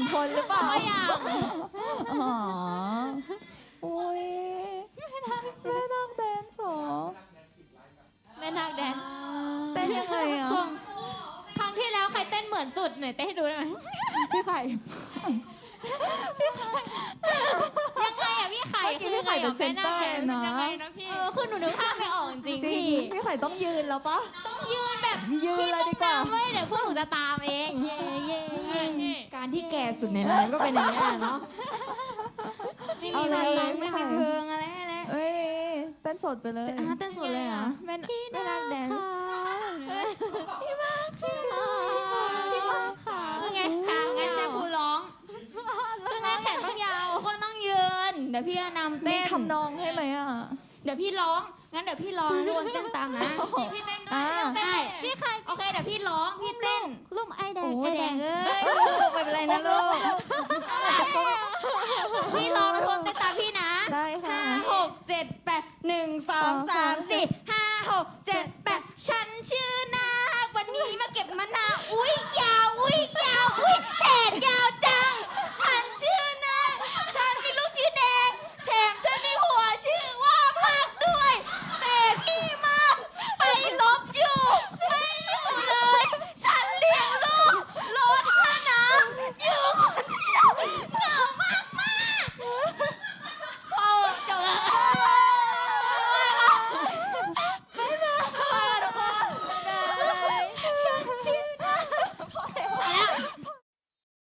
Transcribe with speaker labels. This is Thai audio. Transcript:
Speaker 1: คนหรือเปล่า
Speaker 2: ตัวอย่าง
Speaker 1: อ๋ออุ้ยแม่นาคแดนสอง
Speaker 2: แม่นาคแดน
Speaker 1: เต้นยังไงอ่ะ
Speaker 2: ส่วนครั้งที่แล้วใครเต้นเหมือนสุดหน่อยเต้นให้ดูได้ไหม
Speaker 1: พี่ไข่
Speaker 2: ยังไงอะพี่ไข่
Speaker 1: เมื่อกี้พี่ไข่เป็นเซนเตอร์นะ
Speaker 2: คือหนูนึกภาพไม่ออกจริง
Speaker 1: จริง
Speaker 2: พี่
Speaker 1: พี่ไข่ต้องยืนแล้วปะ
Speaker 2: ต้องยืนแบบ
Speaker 1: ยืนเลยดีกว่า
Speaker 2: พี่ต้องนำเว้ยเดี๋ยวพวกหนูจะตามเองเย่เย่เย่
Speaker 3: การที่แก่สุดในร้านก็เป็นอย่างนี้แหละเนาะไม่มีเพลงไม่มีเพลงอะไรให้แล้ว
Speaker 1: เอ้ยเต้นสดไปเลย
Speaker 3: เต้นสดเลยเหรอ
Speaker 2: แม่นาคแดนพี่มาค่ะพี่มาค่ะคือไง
Speaker 3: ค่ะงั้นจะพูร้อง
Speaker 2: คือไงแขนต้องยาว
Speaker 3: ทุกคนต้องยืนเดี๋ยวพี่จะนำ
Speaker 1: มี
Speaker 3: เต้น
Speaker 1: ทำนองให้ไหมอ่ะ
Speaker 3: เดี๋ยวพี่ร้องงั้นเดี๋ยวพี่ร้องทุกคนเต้นตามนะ
Speaker 2: พี่เต้นด้ว
Speaker 1: อ่า
Speaker 2: ย
Speaker 3: ได้พี่ใครโอเคเดี๋ยวพี่ร้องพี่เต้น
Speaker 2: ลุ่มไอแดง
Speaker 3: โอ้
Speaker 2: ไอ
Speaker 3: แด
Speaker 2: แด
Speaker 3: ง
Speaker 2: ง
Speaker 3: เอ้ยลูกไม่เป็นไรนะลูกพี่ร้องทุกคนเต้นตามพี่นะ
Speaker 1: ได้ค่ะ
Speaker 3: 5 6 7 8 1 2 3 4